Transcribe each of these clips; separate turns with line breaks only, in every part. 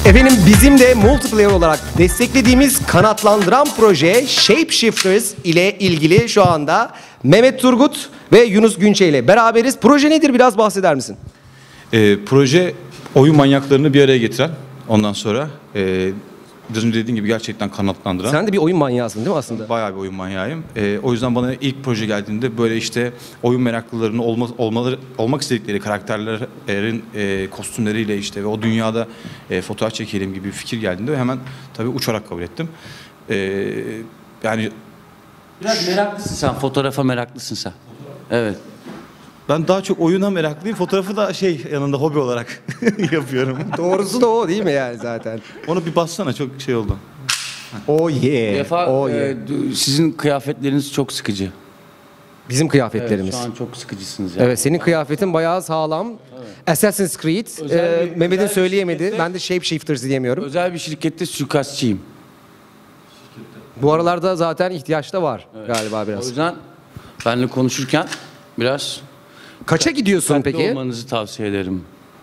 Efendim bizim de multiplayer olarak desteklediğimiz kanatlandıran proje Shapeshifters ile ilgili şu anda Mehmet Turgut ve Yunus Günçe ile beraberiz. Proje nedir, biraz bahseder misin?
Proje oyun manyaklarını bir araya getiren, ondan sonra biraz önce dediğim gibi gerçekten kanatlandıran.
Sen de bir oyun manyağısın değil mi aslında?
Bayağı bir oyun manyağıyım. O yüzden bana ilk proje geldiğinde böyle işte oyun meraklılarının olmak istedikleri karakterlerin kostümleriyle işte ve o dünyada fotoğraf çekelim gibi bir fikir geldiğinde hemen tabii uçarak kabul ettim. Yani
biraz meraklısın sen, fotoğrafa meraklısın sen. Evet.
ben daha çok oyuna meraklıyım. Fotoğrafı da yanında hobi olarak yapıyorum.
Doğrusu da o değil mi yani zaten?
Onu bir bassana, çok şey oldu.
Oh yeah.
Bir defa
Oh yeah.
sizin kıyafetleriniz çok sıkıcı.
Bizim kıyafetlerimiz.
Evet, şu an çok sıkıcısınız yani.
Evet, senin kıyafetin bayağı sağlam. Evet. Assassin's Creed. Mehmet'in söyleyemedi. Ben de Shapeshifters diyemiyorum.
Özel bir şirkette suikastçıyım.
Bu aralarda zaten ihtiyaç da var galiba biraz.
O yüzden benimle konuşurken biraz
Kaça gidiyorsun
dikkatli
peki?
olmanızı tavsiye ederim.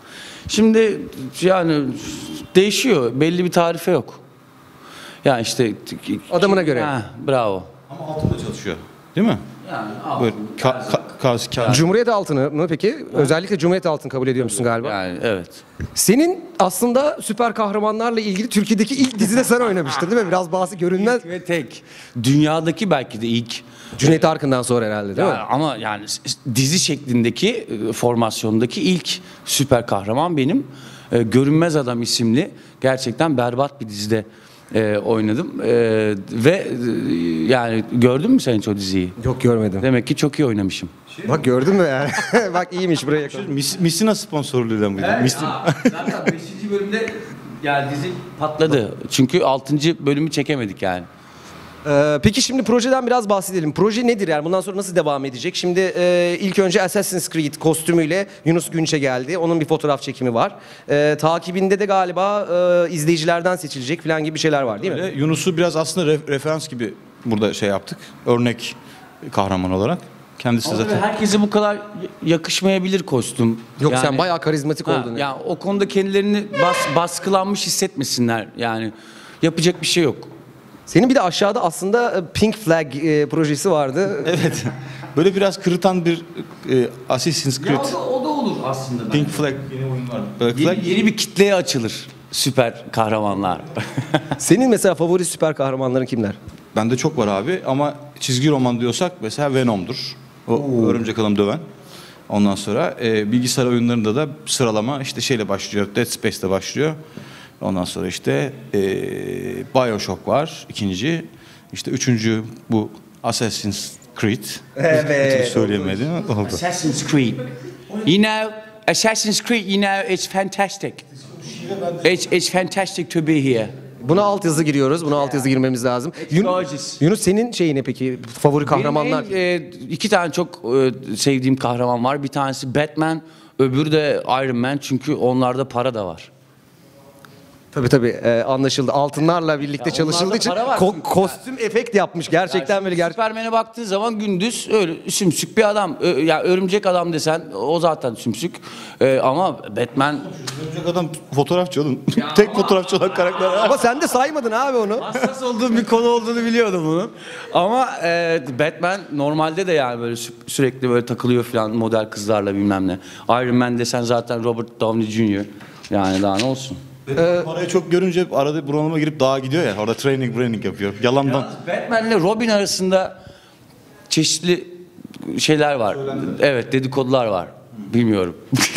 Şimdi yani değişiyor. Belli bir tarife yok. Yani işte
Adamına göre.
Ha, bravo.
Ama altında çalışıyor, değil mi?
Yani
Böyle
Cumhuriyet altını mı peki? Özellikle Cumhuriyet altını kabul ediyor musun galiba?
yani evet.
Senin aslında süper kahramanlarla ilgili Türkiye'deki ilk dizide sen oynamıştın değil mi? Biraz bahsi görünmez.
İlk ve tek. Dünyadaki belki de ilk.
Cüneyt Arkın'dan sonra herhalde değil mi?
Ama yani dizi şeklindeki formasyondaki ilk süper kahraman benim. Görünmez Adam isimli gerçekten berbat bir dizide oynadım. Ve yani gördün mü sen hiç o diziyi?
Yok, görmedim.
Demek ki çok iyi oynamışım.
Bak gördün mü yani? Bak iyiymiş buraya yakın.
Missina sponsorluğuyla mıydı?
Zaten 5. bölümde yani dizi patladı. Çünkü 6. bölümü çekemedik yani.
Peki şimdi projeden biraz bahsedelim. Proje nedir yani? Bundan sonra nasıl devam edecek? Şimdi ilk önce Assassin's Creed kostümüyle Yunus Günçe geldi. Onun bir fotoğraf çekimi var. Takibinde de galiba izleyicilerden seçilecek falan gibi bir şeyler var değil mi?
Yunus'u biraz aslında referans gibi burada yaptık. Örnek kahraman olarak. Kendisi
Ama
zaten.
herkese bu kadar yakışmayabilir kostüm.
Yok,
Yani-
sen bayağı karizmatik oldun.
Yani o konuda kendilerini baskılanmış hissetmesinler. Yani yapacak bir şey yok.
Senin bir de aşağıda aslında Pink Flag projesi vardı.
Evet. Böyle biraz kırıtan bir Assassin's Creed.
O da olur aslında.
Pink Flag yeni oyun var. Black Flag.
Yeni bir kitleye açılır süper kahramanlar.
Senin mesela favori süper kahramanların kimler?
Bende çok var abi ama çizgi roman diyorsak mesela Venom'dur. O örümcek adam döven. Ondan sonra bilgisayar oyunlarında da sıralama işte şeyle başlıyor. Dead Space'le başlıyor. Ondan sonra işte BioShock var ikinci. İşte üçüncü bu Assassin's Creed.
Evet.
Söyleyemedim. Oldu.
Assassin's Creed. You know, Assassin's Creed, you know, it's fantastic. It's fantastic to be here.
Buna altyazı giriyoruz. Buna altyazı girmemiz lazım.
gorgeous.
Yunus senin şeyi ne peki? Favori kahramanlar?
Benim iki tane çok sevdiğim kahraman var. Bir tanesi Batman, öbürü de Iron Man. Çünkü onlarda para da var.
Tabii anlaşıldı. Altınlarla birlikte çalışıldığı
onlarda
için
para var çünkü.
kostüm efekt yapmış. Gerçekten böyle
Süpermen'e baktığın zaman gündüz öyle sümsük bir adam. Ya örümcek adam desen o zaten sümsük. Ama Batman
Örümcek adam fotoğrafçı oğlum. Tek fotoğrafçı olan karakter.
Ama sen de saymadın abi onu.
hassas olduğum bir konu olduğunu biliyordum bunun. Ama Batman normalde de yani böyle sürekli böyle takılıyor falan model kızlarla bilmem ne. Iron Man desen zaten Robert Downey Jr. Yani daha ne olsun.
Parayı çok görünce arada bunalıma girip dağa gidiyor ya. Orada training yapıyor. Yalandan.
Batman ile Robin arasında çeşitli şeyler var. Evet, dedikodular var. Bilmiyorum.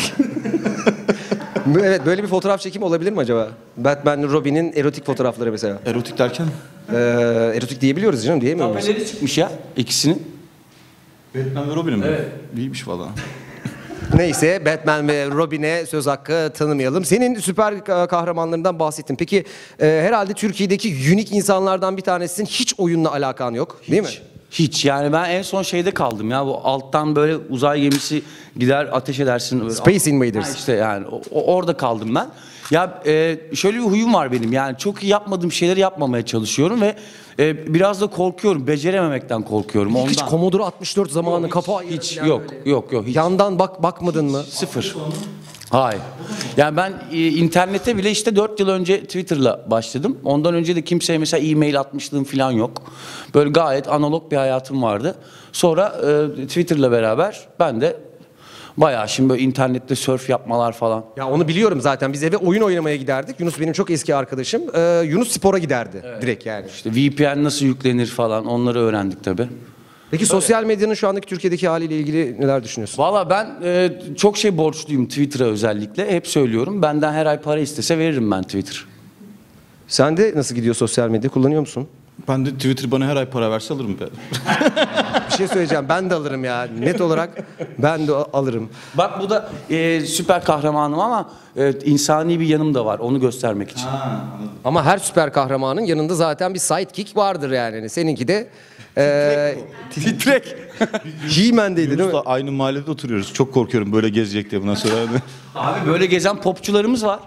Evet, böyle bir fotoğraf çekimi olabilir mi acaba? Batman, Robin'in erotik fotoğrafları mesela.
Erotik derken?
Erotik diyebiliyoruz canım, diyemiyor muyuz?
Tabeleri çıkmış ya ikisinin.
Batman ve Robin'im mi?
Evet.
İyiymiş valla.
Neyse, Batman ve Robin'e söz hakkı tanımayalım. Senin süper kahramanlarından bahsettin. Peki herhalde Türkiye'deki unik insanlardan bir tanesisin. Hiç oyunla alakan yok, değil mi?
Hiç yani ben en son şeyde kaldım ya, bu alttan böyle uzay gemisi gider ateş edersin. Böyle.
Space Invaders.
Ha işte yani orada kaldım ben. Ya şöyle bir huyum var benim, yani çok iyi yapmadığım şeyleri yapmamaya çalışıyorum ve biraz da korkuyorum, becerememekten korkuyorum ondan.
Hiç Commodore 64 zamanı kafa
hiç
yani
yok
böyle.
yok hiç.
Yandan bakmadın mı?
Sıfır. Hayır. Yani ben internete bile işte 4 yıl önce Twitter'la başladım. Ondan önce de kimseye mesela e-mail atmışlığım falan yok. Böyle gayet analog bir hayatım vardı. Sonra Twitter'la beraber ben de bayağı şimdi böyle internette surf yapmalar falan.
Ya onu biliyorum zaten. Biz eve oyun oynamaya giderdik. Yunus benim çok eski arkadaşım. Yunus spora giderdi direkt yani.
İşte VPN nasıl yüklenir falan onları öğrendik tabii.
Peki sosyal medyanın şu andaki Türkiye'deki haliyle ilgili neler düşünüyorsun?
Valla ben çok şey borçluyum Twitter'a özellikle. Hep söylüyorum. Benden her ay para istese veririm ben Twitter.
Sen de nasıl gidiyor sosyal medya? Kullanıyor musun?
Ben de Twitter bana her ay para verse alırım.
Bir şey söyleyeceğim. Ben de alırım ya. Net olarak ben de alırım.
Bak bu da süper kahramanım ama insani bir yanım da var. Onu göstermek için.
Ama her süper kahramanın yanında zaten bir sidekick vardır yani. Hani seninki de titrek. He-Man'deydi değil mi?
Yunus'la aynı mahallede oturuyoruz. Çok korkuyorum böyle gezecek diye bundan sonra.
Abi böyle gezen popçularımız var.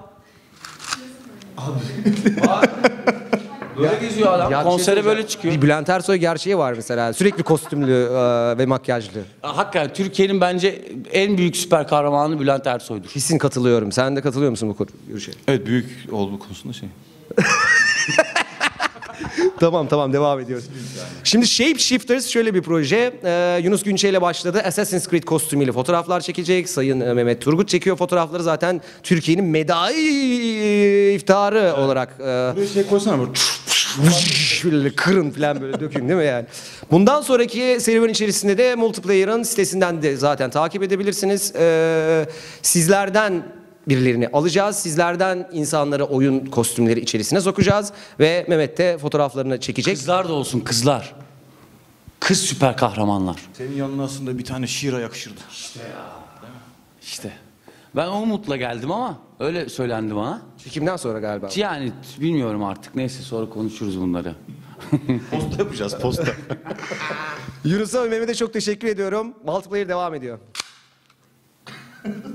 Böyle geziyor adam.
Ya bir şey
Konsere
söyleyeceğim.
böyle çıkıyor.
Bir Bülent Ersoy gerçeği var mesela. Sürekli kostümlü ve makyajlı.
Hakikaten Türkiye'nin bence en büyük süper kahramanı Bülent Ersoy'dur.
Kesin katılıyorum. Sen de katılıyor musun bu görüşe?
Evet, büyük olduğu konusunda şey.
Tamam devam ediyoruz. Şimdi Shapeshifters şöyle bir proje. Yunus Günçe ile başladı. Assassin's Creed kostümüyle fotoğraflar çekecek. Sayın Mehmet Turgut çekiyor fotoğrafları. Zaten Türkiye'nin medai iftiharı olarak.
Buraya şey koysana böyle.
Böyle kırın falan böyle dökün değil mi yani? Bundan sonraki serüven içerisinde de Multiplayer'ın sitesinden de zaten takip edebilirsiniz. Sizlerden birilerini alacağız. Sizlerden insanları oyun kostümleri içerisine sokacağız. Ve Mehmet de fotoğraflarını çekecek.
Kızlar da olsun kızlar. Kız süper kahramanlar.
Senin yanına aslında bir tane şiira yakışırdı.
İşte. Ben o umutla geldim ama öyle söylendi bana.
Çekimden sonra galiba.
Yani bilmiyorum artık. Neyse sonra konuşuruz bunları.
Posta yapacağız, posta.
Yunus'a ve Mehmet'e çok teşekkür ediyorum. Multiplayer devam ediyor.